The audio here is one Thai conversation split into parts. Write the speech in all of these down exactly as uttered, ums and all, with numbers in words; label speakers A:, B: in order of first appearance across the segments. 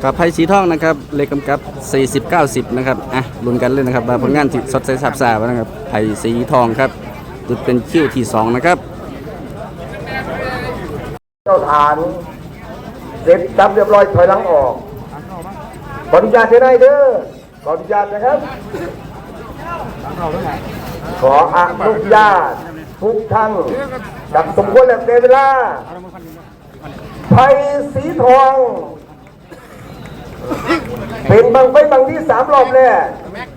A: กับไพ่สีทองนะครับเลขกำกับสี่สิบ เก้าสิบนะครับอ่ะลุ้นกันเลยนะครับผลงานที่สดใสสับสาบนะครับไพ่สีทองครับจุดเป็นคิวที่สองนะครับ
B: เจ้าฐานเสร็จจับเรียบร้อยถอยหลังออกขออนุญาตได้เด้อขออนุญาตนะครับขออนุญาตทุกท่านจับสมควรและเวลาไพ่สีทองเป็นบังไฟบังที่สามรอบแรก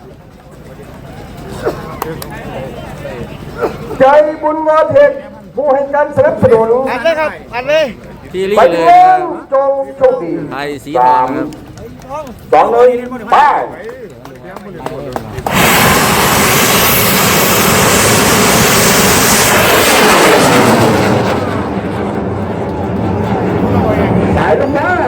B: ใจบุญงอเทคผู้ให้การสนับสนุน
C: อัดเลยครับอัดเลย
A: พี่ลี่
B: ไป
A: เลย
B: เล่นจงโชคดี
A: ไพ่สีทองครับ
B: สองเลยไปสายลูกค้า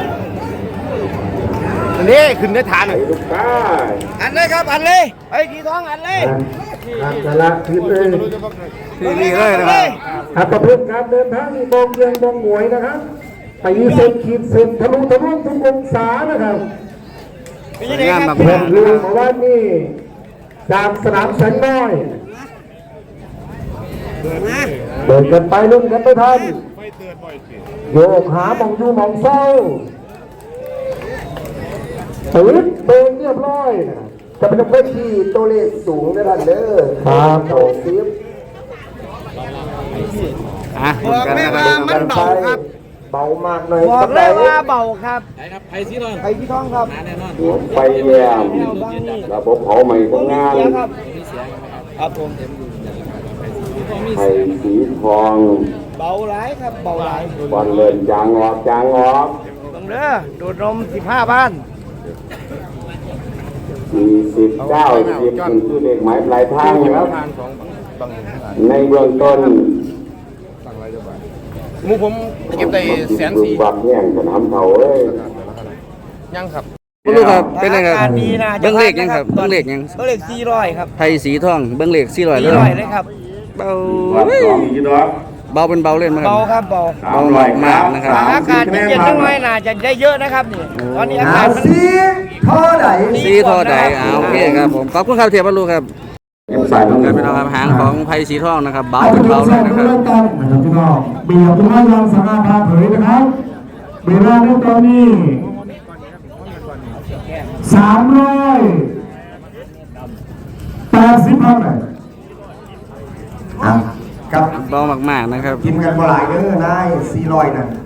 C: นี่ขึ้นได้ฐานเลย
B: ลูกค้า
C: อัดเลยครับอัดเลยไอ้ขีทองอัดเลย
B: การจะละคืนเลย
A: พี่ลี่เลยนะครับ
B: ครับประเภทการเดินทางนี่มองเยียงมองหวยนะครับไปเส้นขีดเส้นทะลุทะลวงทุกองศานะครับ
A: งานมา
B: เพิ่มลืมว่านี่จากสนามแสงน้อยเดินกันไปลุ่นกันไปทันโยกหามองยูมองเศร้าตื่นเบิกเรียบร้อยจะเป็นเพื่อนที่ตัวเลขสูงนะท่านเด้อครับโอ้ซิฟ
A: อ่ะลุ้นกันนะครับ
C: มันเบาครับ
B: เบามากเลย
C: บอกเลยว่าเบาครับ
D: ไอ้ครับไผ่สีทอง
C: ไผ่สีทองครับ
D: แน่นอน
B: ไปแย่ระบบเผาใหม่ของงาน
C: ครับผม
B: ไผ่สีทอง
C: เบาหลายครับเบาหลาย
B: บอลเลินจางออกจางออก
C: ตรงเด้อดูดนมสิบห้าบ้าน
B: สี่สิบเก้าสิบเป็นชื่อเลขหมายปลายทางครับในเบื้องต้น
D: มูผมเก็บได้แสนสี่
B: บักแย่งสนามเผาเอ้ย
D: ยังครับ
A: ไม่รู้ครับเป็นไงครับเบิ้งเลขยังครับเบิ้งเลขยัง
C: เบิ้งเลขสี่ร้อยครับ
A: ไพ่สีทองเบิ้งเลขสี่ร้อยเลย
C: เลยครับ
A: เบาเบาเป็นเบาเล่นไหมครับ
C: เบาครับเบา
A: เบาหน่อยมากนะครับ
C: อากาศเย็นๆน้อยน่าจะได้เยอะนะครับนี่ตอนนี้อากาศ
B: สีท่อใด
A: สีท่อใดอ่าโอเคครับผมขอบคุณครับเทียบลูกครับการเป็นครับหางของไพ่สีทองนะครับเบาเป็นเบาเลยนะครับ
B: นะครับพี่น้องเบียร์ทุกท่านยังสามารถพาเผยนะครับเวลาในตอนนี้สามร้อยแปดสิบเท่าไหร่
A: กับเบามากๆนะครับ
B: กินกันบ่หลายเด้อนายสี่ร้อยนั่น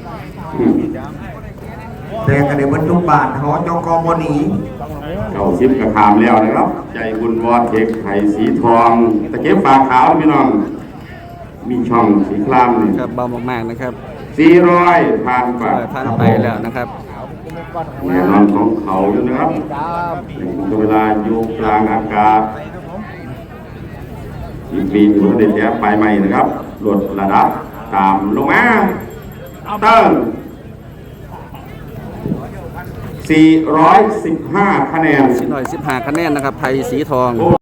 B: แต่กันในบรรทุกบาทหอจกบหนี
E: เก้าสิบกระถามแล้วนะครับใจบุญวอดเทคไผ่สีทองตะเก็บฝาขาวพี่น้องมีช่องสีครามนี่
A: ครับเบามากๆนะครับ
E: สี่ร้อยผ่านไป
A: ผ่านไปแล้วนะครับ
E: แน่นอนของเขาอยู่นะครับเวลาอยู่กลางอากาศอีกปีอยู่ในแถบปลายใหม่นะครับลดระดับตามลงมาเติ้งสี่ร้อยสิบห้าคะแนน
A: สี่ร้อยสิบห้าคะแนนนะครับไพ่สีทอง